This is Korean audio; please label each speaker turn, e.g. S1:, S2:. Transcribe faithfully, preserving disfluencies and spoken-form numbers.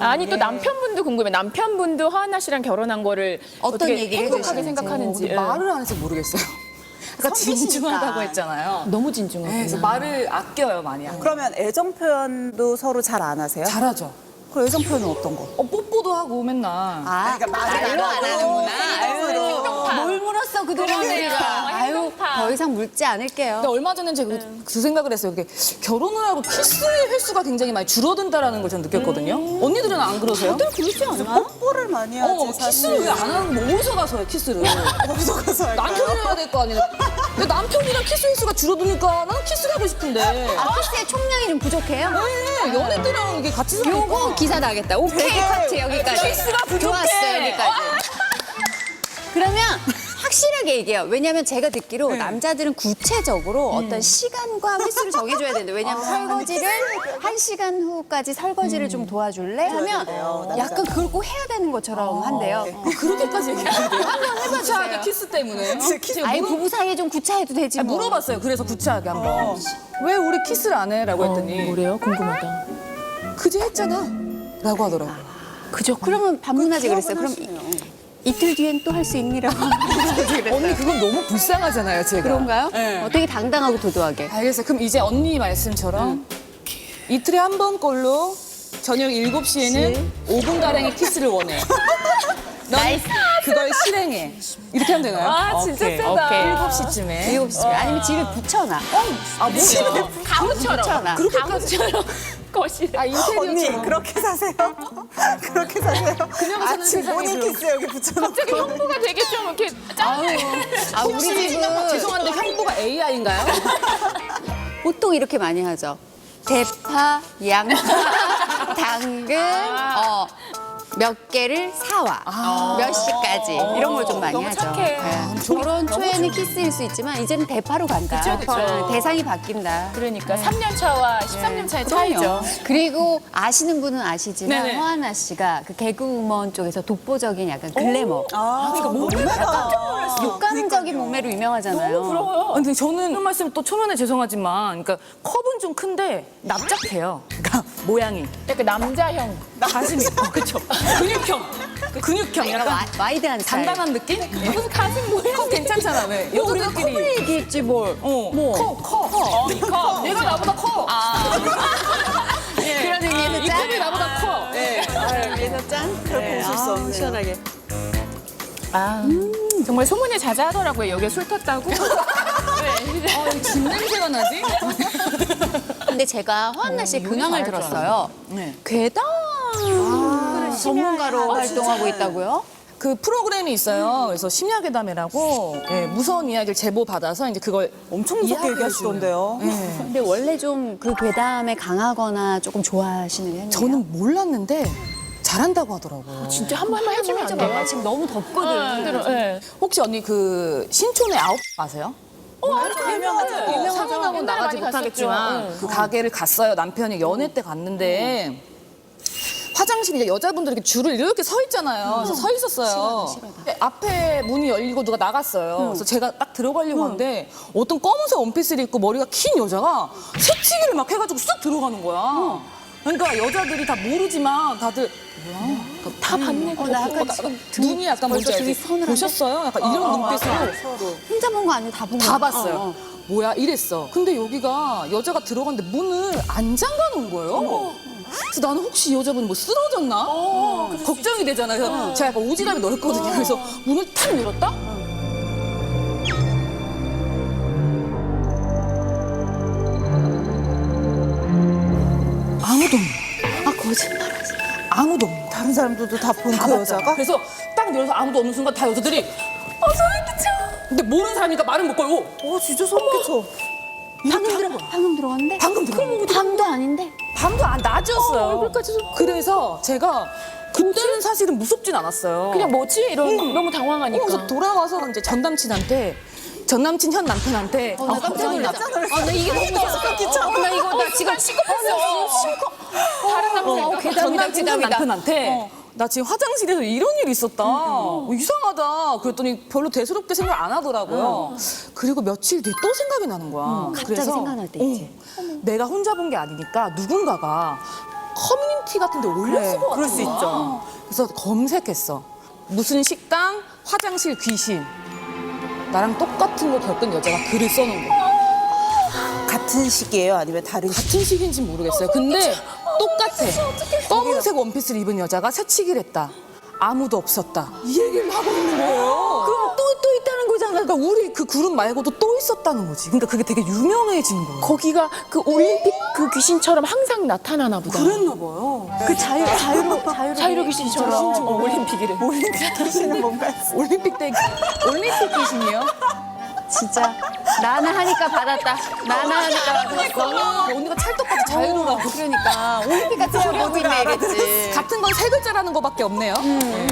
S1: 아니 또
S2: 예.
S1: 남편분도 궁금해. 남편분도 허한나 씨랑 결혼한 거를
S3: 어떤
S1: 어떻게
S3: 얘기를
S1: 행복하게
S3: 해주시는지.
S1: 생각하는지. 예.
S2: 말을 안 해서 모르겠어요. 그러니까
S3: 성기시니까.
S2: 진중하다고 했잖아요.
S1: 너무 진중하구나.
S2: 네, 그래서 말을 아껴요, 많이.
S4: 그러면 애정 표현도 서로 잘 안 하세요?
S2: 잘하죠.
S4: 그 애정 표현은 어떤 거?
S2: 어, 뽀뽀도 하고 맨날.
S3: 아,
S4: 그러니까 말을
S3: 말로
S4: 안
S3: 안
S4: 하고
S3: 하는구나. 아유, 뭘 물었어 그동안
S1: 그러니까.
S3: 우리가. 아유,
S1: 행동파.
S3: 더 이상 묻지 않을게요.
S2: 근데 얼마 전에 제가 그, 그 생각을 했어요. 이게 결혼을 하고 키스의 횟수가 굉장히 많이 줄어든다라는 걸 저는 느꼈거든요. 언니들은 안 그러세요?
S3: 다들 그러지 않아?
S4: 뽀뽀를 많이 하지
S2: 어,
S4: 사실.
S2: 키스를 왜 안 하는 거? 어디서 가서 해, 키스를?
S4: 어디서 가서 할까요?
S2: 남편이랑 해야 될 거 아니에요? 근데 남편이랑 키스 횟수가 줄어드니까 나는 키스를 하고 싶은데.
S3: 아, 키스의 총량이 좀 부족해요?
S2: 네, 연애 때랑 이게 같이 사니까.
S3: 요거 기사 나겠다. 오케이, 커트 여기까지.
S2: 키스가 부족해.
S3: 좋았어, 여기까지. 그러면 확실하게 얘기해요. 왜냐하면 제가 듣기로 남자들은 구체적으로 어떤 시간과 횟수를 정해줘야 되는데 왜냐하면 설거지를 한 시간 후까지 설거지를 좀 도와줄래? 하면 약간 그걸 꼭 해야 되는 것처럼 한대요. 어.
S2: 그렇게까지 얘기하는데요?
S3: 한번 해봐주세요.
S2: 구차하게 키스 때문에. 제가
S3: 아예
S2: 물어-
S3: 부부 사이에 좀 구차해도 되지
S2: 아니,
S3: 뭐.
S2: 물어봤어요. 그래서 구차하게 한번. 왜 우리 키스를 안 해? 라고 했더니
S1: 뭐래요? 궁금하다.
S2: 그제 했잖아. 라고 하더라고요.
S3: 그죠. 그러면 반문하지 그랬어요. 그럼 이, 이틀 뒤엔 또 할 수 있니라고 반문하지 그랬어요.
S2: 언니 그건 너무 불쌍하잖아요, 제가.
S3: 그런가요?
S2: 네.
S3: 어, 되게 당당하고 도도하게.
S2: 알겠어요. 그럼 이제 언니 말씀처럼 이틀에 한 번 꼴로 저녁 일곱 시에는 오 분가량의 키스를 원해. 넌 그걸 실행해. 이렇게 하면 되나요?
S1: 아 진짜
S2: 오케이.
S1: 세다.
S2: 오케이. 일곱 시쯤에.
S3: 일곱 시쯤에 아니면 집에 붙여놔.
S2: 아, 뭐야?
S1: 가무처럼.
S3: 붙여놔.
S1: 가무처럼 거실.
S2: 아,
S4: 언니
S2: 인테리어처럼.
S4: 그렇게 사세요? 그렇게 사세요?
S2: 그냥 사는
S4: 아침
S2: 세상이죠.
S4: 모닝 키스 여기 붙여놓고
S1: 갑자기 형부가 되게 좀 이렇게 짠해.
S3: 아, 우리 집은
S2: 죄송한데 형부가 에이아이인가요?
S3: 보통 이렇게 많이 하죠. 대파, 양파, 당근, 어, 몇 개를 사와. 몇 시까지. 이런 걸 좀 많이
S1: 너무
S3: 하죠.
S1: 착해.
S3: 네. 결혼 초에는 키스일 수 있지만 이제는 대파로 간다.
S1: 그쵸, 그쵸.
S3: 네, 대상이 바뀐다.
S1: 그러니까 삼 년 차와 십삼 년 차의
S3: 그럼요.
S1: 차이죠.
S3: 그리고 아시는 분은 아시지만
S1: 네네.
S3: 허하나 씨가 그 개그우먼 쪽에서 독보적인 약간 글래머.
S4: 아, 그러니까 몸매가
S3: 육가능적인 몸매로 유명하잖아요.
S1: 너무 부러워요.
S2: 아, 근데 저는 이런 말씀 또 초면에 죄송하지만 그러니까 컵은 좀 큰데 납작해요. 그러니까 모양이.
S1: 약간 남자형.
S2: 가슴이. 어, 그쵸. 근육형. 근육형.
S3: 약간
S2: 약간
S3: 와, 와이드한 스타일.
S2: 단단한 느낌?
S1: 무슨 가슴 모양.
S2: 컵 괜찮잖아, 왜?
S3: 뭐 우리가
S2: 여자들끼리.
S3: 컵을 얘기했지 뭘.
S2: 어,
S3: 뭐.
S2: 커, 커.
S1: 어, 커.
S2: 얘가 나보다 커.
S3: 그런 의미에서
S2: 이
S3: 짠.
S2: 컵이 나보다 커. 네.
S3: 그래서 짠.
S4: 그렇게 웃을 수 없네요.
S3: 시원하게.
S1: 아, 정말 소문이 자자하더라고요. 여기에 술 탔다고. 네.
S2: 어, 이 집 냄새가 나지?
S3: 근데 제가 허한나 씨의 근황을
S1: 잘할 줄
S3: 들었어요.
S2: 네.
S3: 괴담 전문가로 활동하고 있다고요?
S2: 그 프로그램이 있어요. 그래서 심야괴담이라고 예, 무서운 이야기를 제보 받아서 이제 그걸
S4: 엄청 무섭게
S2: 이야기해
S4: 얘기하시던데요.
S3: 근데 원래 좀 그 괴담에 강하거나 조금 좋아하시는 편이에요?
S2: 저는 몰랐는데 잘한다고 하더라고요.
S1: 진짜 한 번만 해주면 안 돼요?
S3: 지금 너무 덥거든.
S1: 들어, 네.
S2: 혹시 언니 그 신촌의 아홉 아세요?
S4: 유명하죠.
S2: 어, 상은하고
S1: 옛날에
S2: 나가지
S1: 많이
S2: 못하겠지만
S1: 갔었죠.
S2: 그 가게를 갔어요. 남편이 연애 때 갔는데 화장실에 이제 여자분들이 이렇게 줄을 이렇게 서 있잖아요. 그래서 서 있었어요. 근데 앞에 문이 열리고 누가 나갔어요. 그래서 제가 딱 들어가려고 하는데 어떤 검은색 원피스를 입고 머리가 긴 여자가 새치기를 막 해가지고 쑥 들어가는 거야. 그러니까 여자들이 다 모르지만 다들 뭐야?
S1: 다 봤네.
S3: 어, 나 약간
S2: 어,
S3: 지금
S2: 눈이 약간 뭔지
S3: 벌써 등이
S2: 알지?
S3: 서늘한데?
S2: 보셨어요? 약간 이런 눈빛으로
S3: 혼자 본 거 아니고 다 본 거.
S2: 다 봤어요. 뭐야 이랬어. 근데 여기가 여자가 들어갔는데 문을 안 잠가 놓은 거예요. 그래서 나는 혹시 이 여자분이 뭐 쓰러졌나? 걱정이 되잖아요. 그래서 제가 약간 오지랖이 넓거든요. 그래서 문을 탁 열었다? 아무도 없는 거야.
S3: 아, 거짓말하지.
S2: 아무도 없는 거야.
S4: 다른 사람들도 다 본
S2: 다
S4: 그
S2: 봤잖아.
S4: 여자가?
S2: 그래서 딱 열어서 아무도 없는 순간 다 여자들이 어 소름 끼쳐. 근데 모르는 사람이니까 말을 못 걸고
S4: 어, 진짜 소름 끼쳐.
S3: 방금 들어 방금 들어갔는데?
S2: 방금 들어간 거야.
S3: 밤도 아닌데?
S2: 밤도 안 낮이었어요.
S1: 어, 얼굴까지
S2: 그래서 제가 그때는 사실은 무섭진 않았어요.
S1: 그냥 뭐지? 이런 너무 당황하니까.
S2: 어, 그래서 돌아와서 이제 전 남친한테 전 남친 현 남편한테
S3: 나 깜짝 놀랐어. 아, 나 이게 너무
S4: 소름 끼쳐.
S3: 어, 나 이거 나 지금
S1: 다른 남자.
S2: 어,
S3: 괴담이다,
S2: 전 남친 현
S3: 괴담이다.
S2: 남편한테 나 지금 화장실에서 이런 일이 있었다. 어, 이상하다. 그랬더니 별로 대수롭게 생각 안 하더라고요. 그리고 며칠 뒤에 또 생각이 나는 거야.
S3: 갑자기 생각날 때 있지.
S2: 어, 내가 혼자 본 게 아니니까 누군가가 커뮤니티 같은 데 올렸을
S4: 네,
S2: 것 같아.
S4: 그럴 수 있죠.
S2: 그래서 검색했어. 무슨 식당, 화장실 귀신. 나랑 똑같은 거 겪은 여자가 글을 써놓은 거야.
S4: 같은 시기예요? 아니면 다른 시기?
S2: 같은 시기인지 모르겠어요. 근데 똑같아. 검은색 원피스를 입은 여자가 새치기를 했다. 아무도 없었다. 이 얘기를 하고 있는 거예요.
S1: 그럼 또, 또 있다는 거잖아.
S2: 그러니까 우리 그 그룹 말고도 또 있었다는 거지. 그러니까 그게 되게 유명해진 거예요.
S1: 거기가 그 올림픽 그 귀신처럼 항상 나타나나 보다.
S4: 그랬나 봐요.
S1: 그 자유, 자유로, 자유로, 자유로 귀신처럼 어, 올림픽이래.
S4: 올림픽 귀신은 뭔가
S2: 올림픽 때 올림픽 귀신이요?
S3: 진짜 나는 하니까 받았다. 나는 하니까 받았어.
S2: 언니가 찰떡같이 자유로라고.
S3: 그러니까 올림픽 같은 소리 하고 있네 이랬지.
S2: 같은 건 세 글자라는 거밖에 없네요.